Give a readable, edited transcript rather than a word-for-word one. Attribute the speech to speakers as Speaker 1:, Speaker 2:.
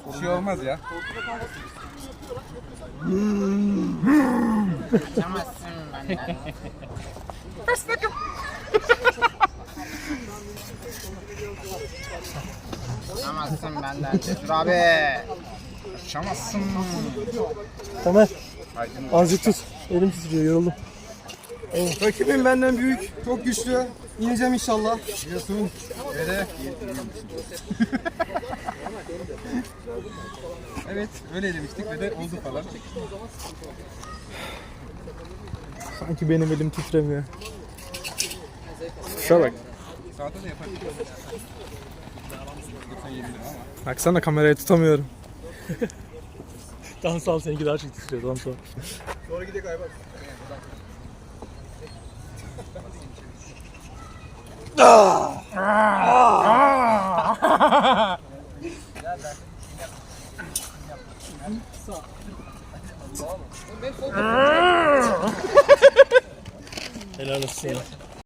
Speaker 1: Bir şey olmaz ya.
Speaker 2: Kaçamazsın benden. Kaçamazsın benden Cesur abi. Kaçamazsın.
Speaker 3: Tamer. Azıcık tut. Elim titriyor, yoruldum.
Speaker 1: Rakibim benden büyük, çok güçlü. İneceğim inşallah. Biliyorsun. Böyle. Evet, öyle demiştik ve de oldu falan.
Speaker 3: Sanki benim elim titremiyor. Şuna bak.
Speaker 1: Sağda da yaparız.
Speaker 3: Baksana kamerayı tutamıyorum. Dans al, seninki daha çok titriyor. Dans al.
Speaker 1: Sonra gidelim Aybars.
Speaker 3: Helal olsun.